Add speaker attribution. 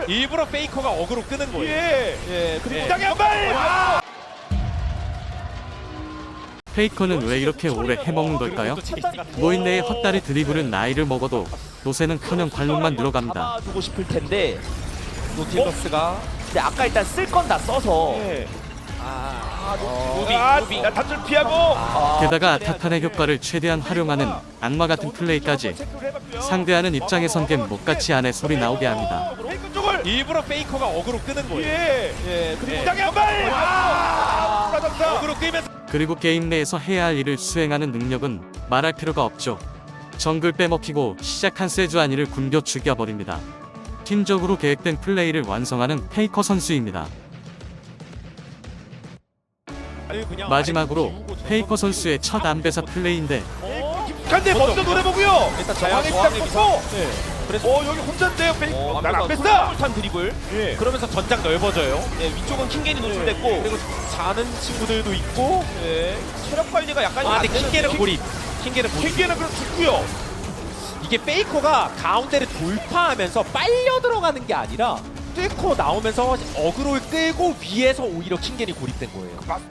Speaker 1: 일부러 페이커가 어그로 끄는 거예요.
Speaker 2: 예. 그리고
Speaker 1: 예.
Speaker 2: 땅에 한 발.
Speaker 3: 페이커는 왜 이렇게 오래 해먹는 걸까요? 노인네의 헛다리 드리블은 나이를 먹어도 요새는커녕 관록만 늘어갑니다.
Speaker 4: 잡아두고 싶을 텐데 노틸러스가 근데 아까 일단 쓸 건 다 써서
Speaker 2: 예.
Speaker 1: 무빙.
Speaker 2: 나 단줄 피하고.
Speaker 3: 게다가 타탄의 효과를 최대한 활용하는 악마 같은 플레이까지
Speaker 2: 체크를 해봤고요.
Speaker 3: 상대하는 입장에선 겜 못같이 안에 소리 나오게 합니다.
Speaker 2: 페이커 쪽을.
Speaker 1: 일부러 페이커가 어그로 끄는 거예요.
Speaker 2: 그리고
Speaker 1: 예.
Speaker 2: 땅에 한 발. 부러졌다.
Speaker 1: 어그로 끄면서
Speaker 3: 그리고 게임 내에서 해야 할 일을 수행하는 능력은 말할 필요가 없죠. 정글 빼먹히고 시작한 세주아니를 굶겨 죽여버립니다. 팀적으로 계획된 플레이를 완성하는 페이커 선수입니다. 마지막으로 페이커 선수의 첫 안배사 플레이인데
Speaker 2: 근데 먼저 노래 보고요.
Speaker 4: 일단
Speaker 2: 저항에
Speaker 4: 저항의
Speaker 2: 딱
Speaker 4: 미사.
Speaker 2: 꽂고.
Speaker 4: 그래서
Speaker 2: 여기 혼자인데요. 페이커. 난안 뺐다.
Speaker 4: 솔탄 드리블
Speaker 2: 예.
Speaker 1: 그러면서 전장 넓어져요.
Speaker 4: 위쪽은 킹겐이 노출됐고
Speaker 2: 그리고 자는 친구들도 있고.
Speaker 4: 체력 관리가 약간
Speaker 1: 아, 근데 킹게는 고립.
Speaker 2: 킹기는 그럼 죽고요.
Speaker 1: 이게 페이커가 가운데를 돌파하면서 빨려 들어가는 게 아니라 뚫고 나오면서 어그로를 끌고 위에서 오히려 킹겐이 고립된 거예요.